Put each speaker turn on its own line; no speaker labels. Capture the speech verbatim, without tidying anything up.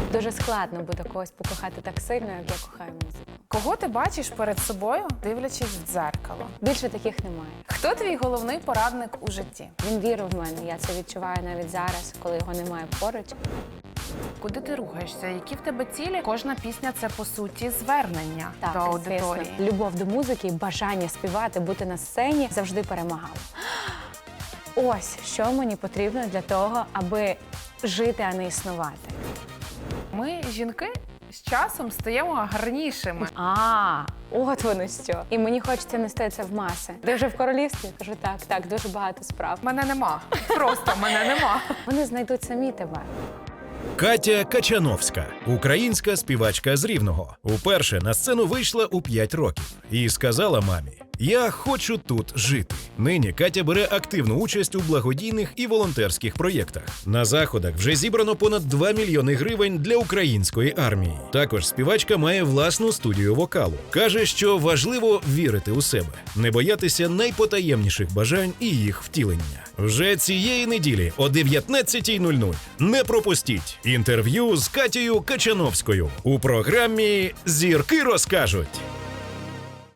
Дуже складно буде когось покохати так сильно, як я кохаю музику.
Кого ти бачиш перед собою, дивлячись в дзеркало?
Більше таких немає.
Хто твій головний порадник у житті?
Він вірив в мене, я це відчуваю навіть зараз, коли його немає поруч.
Куди ти рухаєшся? Які в тебе цілі? Кожна пісня – це, по суті, звернення
Так,
до аудиторії.
звісно. Любов до музики і бажання співати, бути на сцені завжди перемагало. Ось, що мені потрібно для того, аби жити, а не існувати.
Ми, жінки, з часом стаємо гарнішими.
А, от воно що. І мені хочеться нести це в маси. Ти вже в королівстві? Кажу, так, так, дуже багато справ.
Мене нема. Просто мене нема.
Вони знайдуть самі тебе.
Катя Качановська, українська співачка з Рівного. Уперше на сцену вийшла у п'ять років і сказала мамі: «Я хочу тут жити». Нині Катя бере активну участь у благодійних і волонтерських проєктах. На заходах вже зібрано понад два мільйони гривень для української армії. Також співачка має власну студію вокалу. Каже, що важливо вірити у себе, не боятися найпотаємніших бажань і їх втілення. Вже цієї неділі о дев'ятнадцятій нуль нуль не пропустіть інтерв'ю з Катєю Качановською у програмі «Зірки розкажуть».